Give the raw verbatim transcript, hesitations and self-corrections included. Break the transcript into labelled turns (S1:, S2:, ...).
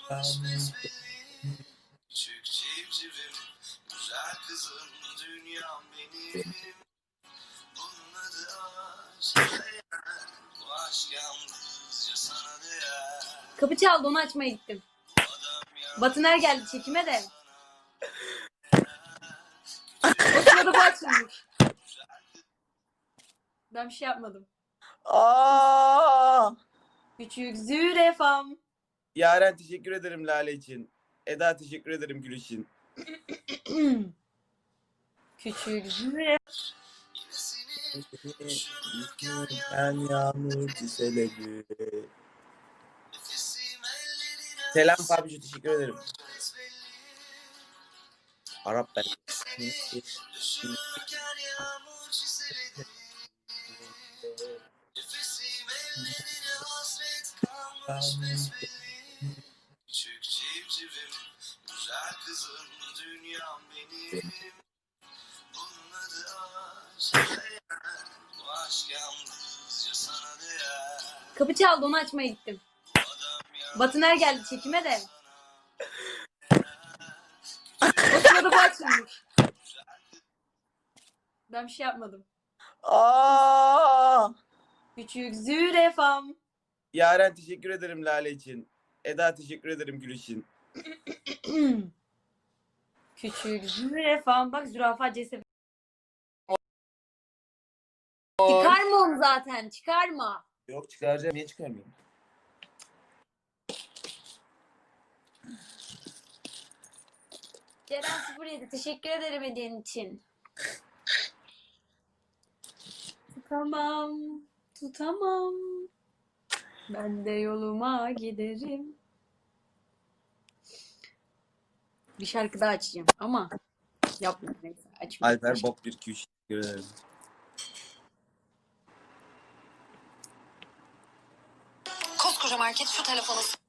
S1: kalmış besbelli. Küçük civcivim, güzel kızım, dünyam benim. Bunun adı aşk, bu aşk yalnızca sana değer.
S2: Kapı çaldı, onu açmaya gittim. Batıner geldi çekime de. O sırada bu açılmış. Ben bir şey yapmadım.
S3: Aa!
S2: Küçük zürefam.
S3: Yaren teşekkür ederim Lale için. Eda teşekkür ederim Gül için.
S2: Küçük zürefam.
S3: Ben yağmur çiseledi. Selam Fabici, teşekkür ederim. Arap ben.
S1: Küçük civcivim, güzel kızım, dünyam benim. Bunun adı aşk, bu aşk yalnızca sana değer.
S2: Kapı çaldı, onu açmaya gittim. Batıner geldi çekime de. O sırada bu açılmış. Ben bir şey yapmadım.
S3: Aa!
S2: Küçük zürefam.
S3: Yaren teşekkür ederim Lale için. Eda teşekkür ederim Gül için.
S2: Küçük zürefam. Bak zürafa cesaret. Çıkarma onu zaten. Çıkarma.
S3: Yok çıkaracağım, niye çıkarmıyorum?
S2: Ceren sıfır yedi. Teşekkür ederim hediyen için. Tutamam. Tutamam. Ben de yoluma giderim. Bir şarkı daha açacağım ama yapma neyse açmayayım.
S3: Alper Bob bir iki üç teşekkür ederim.
S4: Koskoca market şu telefonu